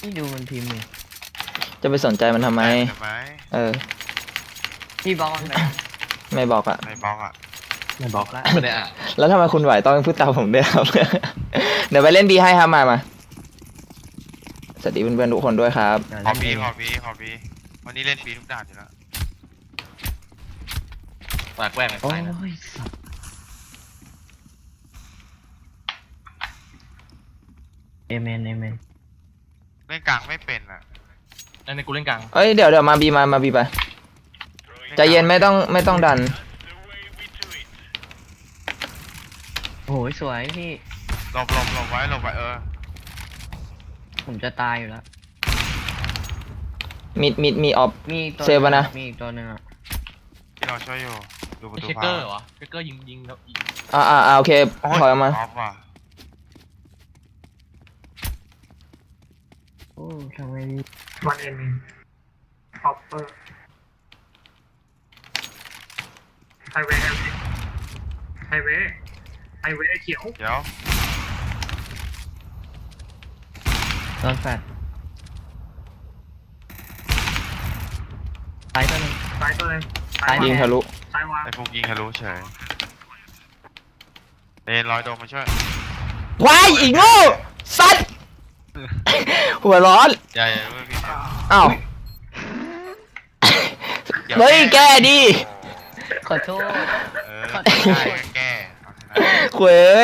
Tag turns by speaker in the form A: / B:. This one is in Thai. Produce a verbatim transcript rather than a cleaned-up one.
A: นี่ดูมันพิมพ์เลย
B: จะไปสนใจมันทำไม
C: ทำไม
B: เออ
A: พี่บล็อกมันไป
B: ไม่บอกอะ
C: ไม่บล็อกอ่ะ
A: ไม่บล็อกละ
D: ไม่ได้อ่ะ
B: แล้วทำไมคุณไหวต้องพูดตามผมด้วยครับ เดี๋ยวไปเล่นบีให้ครับมามาสวัสดีเพื่อนๆทุกคนด้วยครับ
C: ขอบีขอบีขอบีวันนี้เล่นบีทุกด่านอยู่แล้ว
D: ปากแกล้งไป
A: โอ้
D: ไปนะ
A: ยสัตว์เอเมนเอเมน
C: เล่นกลางไม่เป็นอ่ะ
D: นั่นในกูเล่นกลาง
B: เอ้ยเดี๋ยวเดี๋ยวมาบีมามาบีไปใจเย็นไม่ต้องไม่ต้องดัน
A: โอ้ยสวยพี่
C: หลบหลบหลบไว้หลบไว้เออ
A: ผมจะตายอยู่แล้ว
B: มิดมิดมีออฟ
A: มีอีกตัว
B: เซฟวะนะ
A: มีอีกตัวหนึ่งอ่ะ
C: ที่เราช่วยอยู่ดูประ
D: ไม่
C: ตู
D: เช็คเกอร์เหรอเช็คเกอร์ยิงยิงแล้วยิง
B: อ่าอ่าอ่าโอเค
C: โอ้
B: ถอยออกมา
C: ออฟว่ะ
A: โอ้ทำไม
E: วันเอ็นฮอปเปอร์ไฮเวย์ไฮเวย์ไฮเวย์เขียว
C: เดี๋ยว
A: โดนแฟดตายตัวหนึ่ง
E: ซ้ายตัวหนึง
A: ซ้าย
B: ยิงทะลุ
E: ซ้ายวาง
C: ไอ้พวกยิงทะลุเฉยเอ็นร้อยโดมมาช่วย
B: ว้ายอีกโง่สัตว์ หัวร้อน
C: อย่าอย่าเพิ่งพี่เดี๋ยว
B: อ้าว
C: ดี๋ว
B: เฮ้ยแกดิ
A: ขอโทษ
C: เออได้ก็แก้เอาชนะ
B: เว้ย